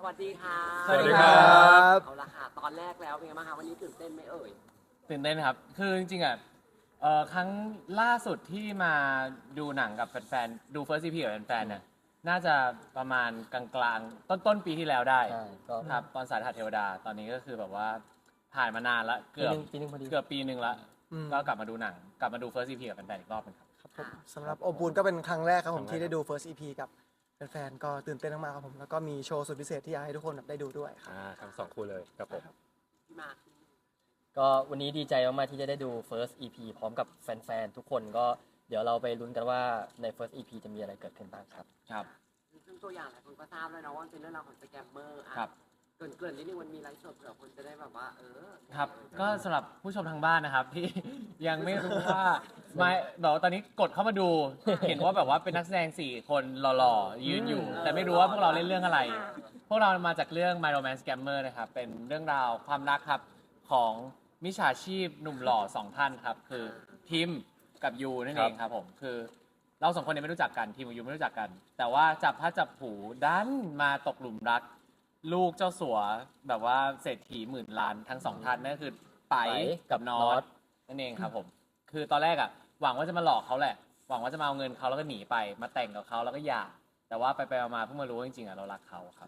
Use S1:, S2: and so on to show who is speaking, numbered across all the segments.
S1: วัสดีค่ะ
S2: สวัสดีครับ
S1: เอาละค่ะตอนแรกแล้วเป็นไงบ้างคะวันนี้ตื่นเต้นไหมเอ่ย
S2: ตื่นเต้นครับคือจริงๆครั้งล่าสุดที่มาดูหนังกับแฟนๆดู First EP กับแฟนๆเนี่ยน่าจะประมาณกลางๆต้นปีที่แล้วได้
S3: ใช่ก็
S2: ครับตอนสายหัดเทวดาตอนนี้ก็คือแบบว่าผ่านมานานละเกือบ
S3: ปีนึงพอดี
S2: เกือบปีหนึ่งละก็กลับมาดูหนังกลับมาดู First EP กับแฟนๆอีกรอบหนึงครับ
S4: ครับผมสำหรับโอปูนก็เป็นครั้งแรกครับผมที่ได้ดู First EP กับแฟนๆก็ตื่นเต้นมากๆครับผมแล้วก็มีโชว์สุดพิเศษที่อยากให้ทุกคนได้ดูด้วยครับ
S5: ทั้งสองคู่เลยครับผม
S1: พี่มาร์ค
S3: ก็วันนี้ดีใจมากๆที่จะได้ดู First EP พร้อมกับแฟนๆ ทุกคนก็เดี๋ยวเราไปลุ้นกันว่าใน First EP จะมีอะไรเกิดขึ้นบ้างครับ
S2: ครับ
S1: ซึ่งตัวอย่างหลายคนก็ทราบแล้วนะว่ามันเป็นเรื่องราวของสแกมเมอร์อ่ะ
S2: ครับ
S1: เกริ่นนิดนึงมันมีไลฟ์สดเผื่อคนจะได้แบบว่า
S2: ครับก็สำหรับผู้ชมทางบ้านนะครับ ที่ยังไม่รู้ว่าไม่แบบว่าตอนนี้กดเข้ามาดู เห็นว่าแบบว่าเป็นนักแสดง4คนหล่อๆยืนอยู่ แต่ไม่รู้ว่าพวกเราเล่นเรื่องอะไร พวกเรามาจากเรื่อง My Romance Scammer นะครับเป็นเรื่องราวความรักครับของมิจฉาชีพหนุ่มหล่อ2ท่านครับคือทิมกับยูนั่นเองครับผมคือเราสองคนเนี่ยไม่รู้จักกันทิมกับยูไม่รู้จักกัน แต่ว่าจับพลัดจับผลูดันมาตกหลุมรัก ลูกเจ้าสัวแบบว่าเศรษฐีหมื่นล้านทั้งสองท่านนั่นก็คือไปกับนอตนั่นเองครับผมคือตอนแรกอ่ะหวังว่าจะมาหลอกเขาแหละหวังว่าจะมาเอาเงินเขาแล้วก็หนีไปมาแต่งกับเขาแล้วก็หย่าแต่ว่าไปมาๆเพิ่งมารู้ว่าจริงๆอ่ะเรารักเขาครับ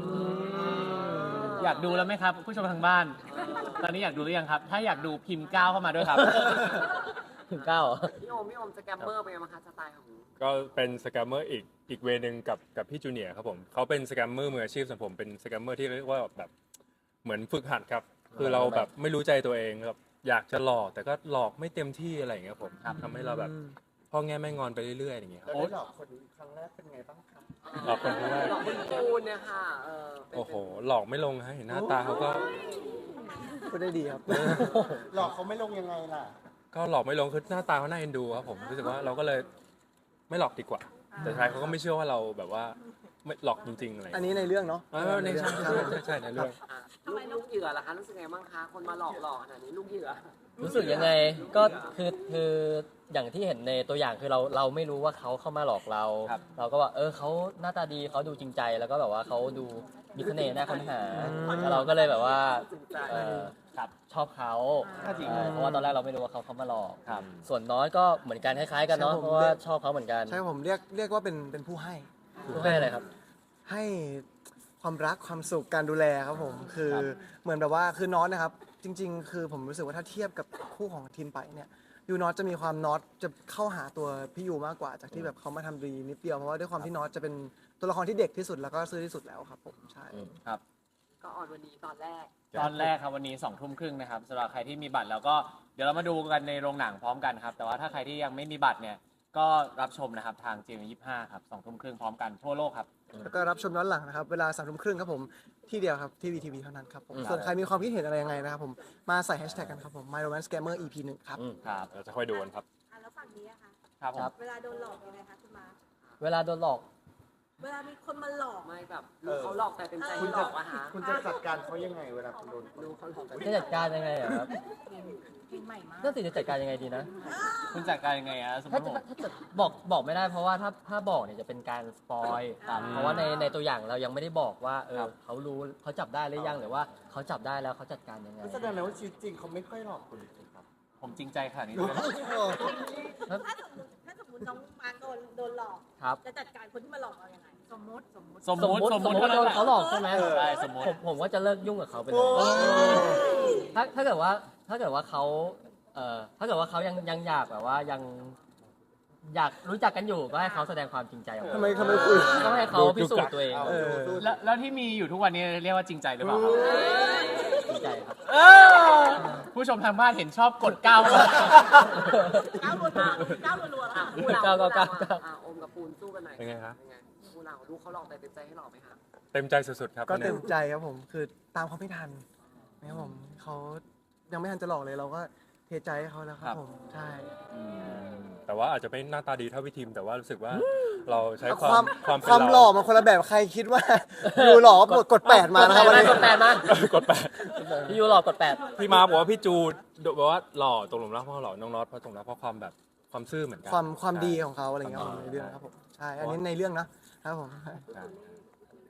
S2: อยากดูแล้วไหมครับผู้ชมทางบ้าน ตอนนี้อยากดูหรือยังครับ ถ้าอยากดูพิมพ์ก้าวเข้ามาด้วยครับ
S3: ถึงเก้า
S1: พี่โอมสแกมเมอร์เป็นไงบ้างคะสไตล์ของ
S5: ก็เป็นสแกมเมอร์อีกเวนึงกับพี่จูเนียร์ครับผมเขาเป็นสแกมเมอร์มืออาชีพส่วนผมเป็นสแกมเมอร์ที่เรียกว่าแบบเหมือนฝึกหัดครับคือเราแบบไม่รู้ใจตัวเองครับอยากจะหลอกแต่ก็หลอกไม่เต็มที่อะไรอย่างเงี้ยผมทำให้เราแบบพ่อแง่แม่งอนไปเรื่อยๆอย่างเงี้ยครับ
S4: ได้หลอกคนครั้งแรกเป็นไงบ้างครับ
S5: หลอกคนครั้งแรก
S1: หลอกคุณจูนเนี่ยค่ะเป็น
S5: โอ้โหหลอกไม่ลงฮะเห็นหน้าตาเขาก็
S4: พูดได้ดีครับ หลอกเขาไม่ลงยังไงล่ะ
S5: ก็หลอกไม่ลงคือหน้าตาเขาน่าเอ็นดูครับผมรู้สึกว่าเราก็เลยไม่หลอกดีกว่า แต่ท้ายเขาก็ไม่เชื่อว่าเราแบบว่าไม่หลอกจริงๆอะไร
S4: อันนี้ในเรื่องเนาะ
S5: ในใช่ใช่ในเรื่อง
S1: อ่ะลูกเหยื่อล่ะคะรู้สึกไงบ้างคะคนมาหลอกขนาดนี้ลูกเหยื่อ
S3: รู้สึกยังไงก็คืออย่างที่เห็นในตัวอย่างคือเราไม่รู้ว่าเขาเข้ามาหลอกเรา
S2: ครับ
S3: เราก็ว่าเขาหน้าตาดีเขาดูจริงใจแล้วก็แบบว่าเขาดูมีเสน่ห์น่าค้นหาแล้วเราก็เลยแบบว่า
S1: จริงใจ
S2: ครับ
S3: ชอบเขา
S2: จริง
S3: ใช่เพราะว่าตอนแรกเราไม่รู้ว่าเขาเข้ามาหลอก
S2: ครับ
S3: ส่วนน้อยก็เหมือนกันคล้ายๆกันเนาะเพราะว่าชอบเขาเหมือนกัน
S4: ใช่ผมเรียกว่าเป็นผู้ให้
S3: ผู้ให้อะไรครับ
S4: ให้ความรักความสุขการดูแลครับผมคือเหมือนแบบว่าคือน็อตนะครับจริง ๆ คือผมรู้สึกว่าถ้าเทียบกับคู่ของทิมไปเนี่ยยูน็อตจะมีความน็อตจะเข้าหาตัวพี่ยูมากกว่าจากที่แบบเขามาทำดีนิดเดียวเพราะว่าด้วยความที่น็อตจะเป็นตัวละครที่เด็กที่สุดแล้วก็ซื่อที่สุดแล้วครับผมใช่
S2: ครับ
S1: ก็ออนวันนี้ตอนแรก
S2: ตอนแรกครับวันนี้20:30นะครับสำหรับใครที่มีบัตรแล้วก็เดี๋ยวเรามาดูกันในโรงหนังพร้อมกันครับแต่ว่าถ้าใครที่ยังไม่มีบัตรเนี่ยก็รับชมนะครับทาง GMM25 ครับ20:30พร้อมกันทั่วโลกครับ
S4: แล้วก็รับชมย้อนหลังนะครับ เวลา3 ทุ่มครึ่งครับผมที่เดียวครับที่VTVเท่านั้นครับผมส่วนใครมีความคิดเห็นอะไรยังไงนะครับผมมาใส่แฮชแท็กกันครับผม My Romance Scammer EP 1ครับ
S2: ครับ
S5: เราจะค่อยดูกันครับ
S6: แล้วฝั่งนี้อะคะ
S2: ครับผม
S6: เวลาโดนหลอกยังไงคะคุณมา
S3: เวลาโดนหลอก
S6: เวลามีคนมาหลอก
S1: ไม่แบบลูกเขาหลอกแต่เต็มใจที่หลอกอะฮะ
S4: คุณจะจัดการเขายังไงเวลาคุณโดน
S1: ลูกเขาหลอกแต่
S3: จะจัดการยังไงอะครับ
S6: เพลงใหม่มาก
S3: นั่นสิจะจัดการยังไงดีนะ
S2: คุณจัดการยังไงอะสมม
S3: ถ้า
S2: ติ
S3: จะ
S2: ผม
S3: ถ้าจะบอกไม่ได้เพราะว่าถ้าบอกเนี่ยจะเป็นการสปอยเพราะว่าในตัวอย่างเรายังไม่ได้บอกว่าเขารู้เขาจับได้หรือยังหรือว่าเขาจับได้แล้วเขาจัดการยังไง
S4: แสดงว่าชีวิตจริงเขาไม่ค่อยหลอกคุณครับ
S2: ผมจริงใจขนาดนี้เลย
S6: ถ้าสมมติน้องมาร์คโดนหลอก
S3: ครับ
S6: จะจัดการคนที่มาหลอกเรายังไง สมมติ
S2: สมมุติ
S3: โดนเขาหลอกใช่ไหม
S2: ใช่สมมุติ
S3: ผมว่าจะเลิกยุ่งกับเขาไปเลยถ้าเกิดว่าเขาถ้าเกิดว่าเขายังอยากแบบว่ายังอยากรู้จักกันอยู่ก็ให้เขาแสดงความจริงใจออกมา
S4: ทำไมคุย
S3: ต้องให้เขาพิสูจน์ตัวเอง
S2: แล้วที่มีอยู่ทุกวันนี้เรียกว่าจริงใจหรือเปล่าครับ
S3: จริงใจครับ
S2: ผู้ชมทางบ้านเห็นชอบกดก้าวมา
S6: ก้าวรัวๆก้าวรัวๆ
S1: อ่ะ
S6: ค่ะ
S1: คู่เรา
S3: ก้าว
S1: อ่ะโอมกับปูนสู้กันหน่อย
S5: เป็นไงครับ
S1: เป็นไงคู่เราลูกเขาหลอกแต่เต็มใจให้หลอกไหมคะ
S5: เต็มใจสุดๆครับ
S4: ก็เต็มใจครับผมคือตามเขาไม่ทันนะครับผมเขายังไม่ทันจะหลอกเลยเราก็เทใจให้เขาแล้วครับผมใช่
S5: แต่ว่าอาจจะไม่หน้าตาดีเท่าพี่ทีมแต่ว่ารู้สึกว่าเราใช้
S4: ความ
S5: ความเป็น
S4: ความหล่อมันคนละแบบใครคิดว่า ยูหล่อกด8มานะครับวันนี้
S3: กดแปดมา
S5: กดแปด
S3: พี่ยูหลอกกดแปด
S5: พี่มาบอกว่าพี่จูบอกว่าหล่อตกหลุมรักเพราะหล่อน้องน็อตเพราะตกหลุมรักเพราะความแบบความซื่อเหมือนกัน
S4: ความดีของเขาอะไรเงี้ยครับผมในเรื่องครับผมใช่อันนี้ในเรื่องนะครับผม
S5: ใช่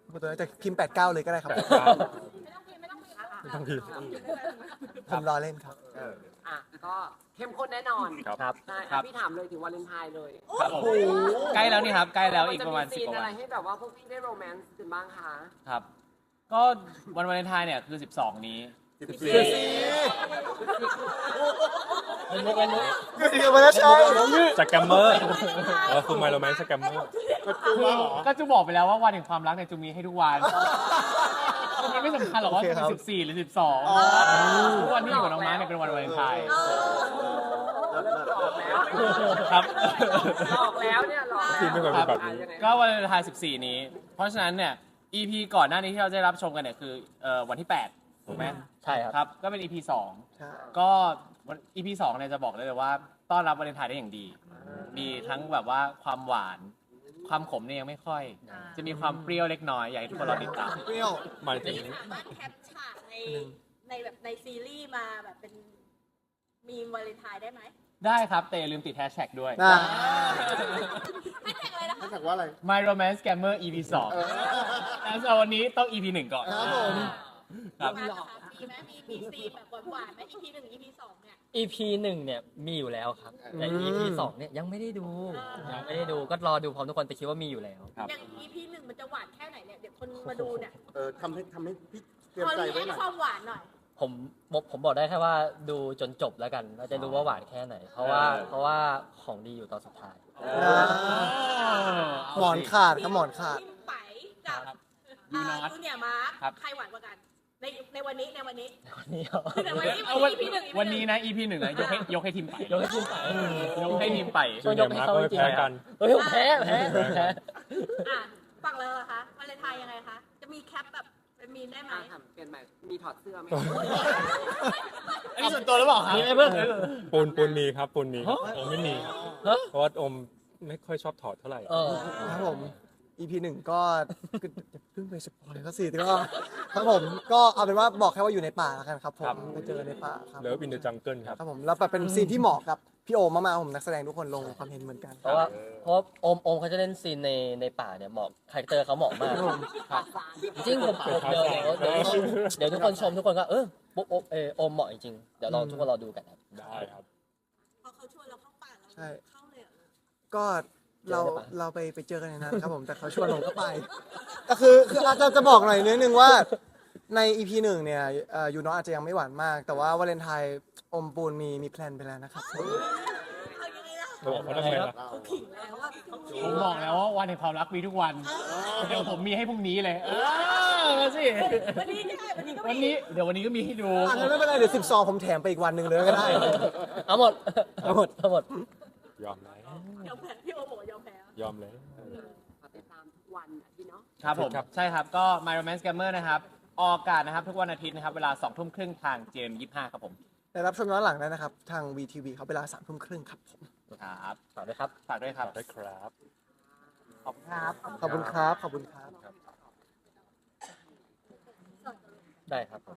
S4: ตัวแต่พิมพ์89เลยก็ได้ครับ
S5: ต้องพิมพ์
S4: ผมรอเล่นครับ
S1: อ่ะก็เข้มข้นแน่นอน
S5: ครับ
S3: ครับ
S1: ใช่
S2: ครับ
S1: พี่ถามเลยถึงวาเลนไทน์เลย
S2: ครับผมใกล้แล้วนี่ครับใกล้แล้วอีกประมาณ
S1: นจ
S2: 10 กว่า
S1: อะไร
S2: วัน
S1: ให้แบบว่าพวกพี่ได้โรแมนต์กันบ้างคะ
S2: ครับ ก็วันวาเลนไทน์เนี่ยคือ 12 นี้
S3: เป็นมุกเป็นมุก
S4: เดี๋ยวมาแล้วใช่
S5: สแกมเมอร์คือไมโลแมนสแกมเมอร์
S2: ก็จูบอกไปแล้วว่าวันแห่งความรักเนี่ยจูมีให้ทุกวันมันไม่สำคัญหรอกว่าจะเป็น14 หรือ 12ทุกวันที่อยู่กับน้องม้าเนี่ยเป็นวันวาเลนไทน์ครับ
S1: หลอกแล้วเนี่ยหลอกแล้ว
S5: พี่ไม่เคยเป็นแบบนี้
S1: อ่ะยังไง
S2: ก็วันวาเลนไทน์14 นี้ เพราะฉะนั้นเนี่ย EP ก่อนหน้านี้ที่เราได้รับชมกันเนี่ยคือวันที่ 8 ถูกไหม
S3: ใช่ครับ
S2: ครับ ก็เป็น EP
S4: ใช่
S2: 2 ก็วัน EP 2เนี่ยจะบอกได้เลยว่าต้อนรับวาเลนไทน์ได้อย่างดี มีทั้งแบบว่าความหวาน ความขมเนี่ยยังไม่ค่อย จะมีความเปรี้ยวเล็กน้อย อยากให้ทุกคนรอติดตาม
S4: เปรี้ยว
S5: หมายถึง
S6: สามารถแคปฉากในแบบในซีรีส์มาแบบเป็นมีมวาเลนไทน์ได้ไหม
S2: ได้ครับ แต่อย่าลืมติดแฮชแท็กด้วย
S4: นะ
S6: ให้แท็กเลยนะคะ
S7: ถ้าจากว่าอะไร
S2: My Romance Scammer EP 2แต่สำหรับวันนี้ต้อง EP 1 ก่อน
S4: ครับผม
S2: ครับ
S6: มีนะคะมีไหมมีซีนแบบหวานๆไหม EP 1 EP 2เนี่ย
S3: EP 1เนี่ยมีอยู่แล้วครับ แต่ EP 2เนี่ยยังไม่ได้ดูยังไม่ได้ดูก็รอดูพร้อมทุกคนแต่คิดว่ามีอยู่แล้ว
S2: ครับ
S6: อย่าง EP 1 มันจะหวานแค่ไหนเนี่ย เดี๋ยวคนมาดูเนี่ย
S7: ทำให้พี่เตรียม
S6: พอ
S7: ใจ
S6: รี
S7: ไว้
S6: แอ
S7: หน่อย
S6: ความหวานหน่อย
S3: ผมบอกได้แค่ว่าดูจนจบแล้วกันเราจะรู้ว่าหวานแค่ไหน เพราะว่าของดีอยู่ตอนสุดท้าย
S4: หมอนขาดครับหมอนขาด
S6: ทีมไปกับ
S2: ยูนอต
S6: จูเนียร์มาร์ค
S2: ครับ
S6: ใครหวานกว่ากัน ในวันนี้ในวันนี้
S3: นี่เอา
S6: ในวันนี้
S2: เอาวัน
S6: EP 1
S2: วันนี้นะ EP 1นะยกให้ทีมไป
S3: ยกให้ทีมไป
S2: ยกให้ทีมไป
S5: จูเนียร์มาร์คก็ไม่แพ้กัน
S3: เฮ้ยผมแพ้แพ้
S6: อ่ะฝั่งเราเหรอคะวาเลนไทน์ยังไงคะ จะมีแคปแบบเป็นมีนได้ไหม
S1: อ่ะถามเปลี่ยนใหม่มีถอดเสื้อไหม
S2: อันนี้ส่วนตัวหรือเปล่าครับ
S3: มีไหมเพื่อน
S5: ปูนมีครับปูนมีครับโอมไม่มี
S3: ฮะ
S5: เพราะว่าโอมไม่ค่อยชอบถอดเท่าไหร่
S3: เออ
S4: ครับผม EP 1 ก็อย่าเพิ่งไปสปอยเขาสิแต่ก็ครับผมก็เอาเป็นว่าบอกแค่ว่าอยู่ในป่าแล้วกันครับผมไปเจอในป่าครับ
S5: เลิฟอินเดอะจังเกิลครับ
S4: ครับผมแล้วแบบเป็นซีนที่เหมาะกับพี่โอมมากๆผมนักแสดงทุกคนลงความเห็นเหมือนกัน
S3: เพราะว่าโอมเขาจะเล่นซีนในป่าเนี่ยเหมาะคาแรคเตอร์เขาเหมาะมากครับจริงผมเดี๋ยวทุกคนชมทุกคนก็ปุ๊บโอมเหมาะจริงเดี๋ยวเราทุกคนรอดูกันครับ
S5: ได้ครับ
S6: พอเขาชวนเราเข้าป่าเรา
S4: ใช่
S6: เข้าเลยเหรอ
S4: ก็เรา
S3: เจอในป่า
S4: เราไปเจอกันในนั้นครับผมแต่เขาชวนผมก็ไปแต่คืออาจจะบอกหน่อยนิดนึงว่าใน EP 1 เนี่ยยูน้องอาจจะยังไม่หวานมาก แต่ว่าวาเลนไทน์อมปูนมีแพลนไปแล้วนะครับ
S6: เอายังไงล่ะ
S5: บอกเขาทำไมล่ะ
S6: เขาขิงแล้วว่าเขาขิง
S2: ผมบอกแล้วว่าวันแห่งความรักมีทุกวัน เดี๋ยวผมมีให้พรุ่งนี้เลยมาสิ
S6: วันนี้ได้วันนี้ก็
S2: วัน
S6: มี
S2: นี้เดี๋ยววันนี้ก็มีให้ดู
S4: อันนั้นไม่เป็นไรเดี๋ยว12 ผมแถมไปอีกวันหนึ่งเลยก็ได้
S3: เอาหมด
S4: เอาหมด
S3: เอาหมด
S5: ยอมแล้ว
S6: ยอมแพ้พี่โอบอกว่ายอมแพ้
S5: ยอมแล้ว
S1: ขอติดตามทุกวันอ่ะพี่เนาะ
S2: ครับผม
S5: ครับ
S2: ใช่ครับ ก็ My Romance Scammer นะครับ ออกอากาศนะครับ ทุกวันอาทิตย์นะครับ เวลา 2 ทุ่มครึ่งทาง GM25 ครับผม
S4: ได้รับชมย้อนหลังได้นะครับ ทาง VTV เขาเวลา3 ทุ่มครึ่งครับผม
S2: ครับ
S3: ฝากด้วยครับ
S2: ฝากด้วยครับ
S5: ได้ครับ
S2: ขอบคุณครับ
S4: ขอบคุณครับ ขอบคุณครับ
S3: ได้ครับผม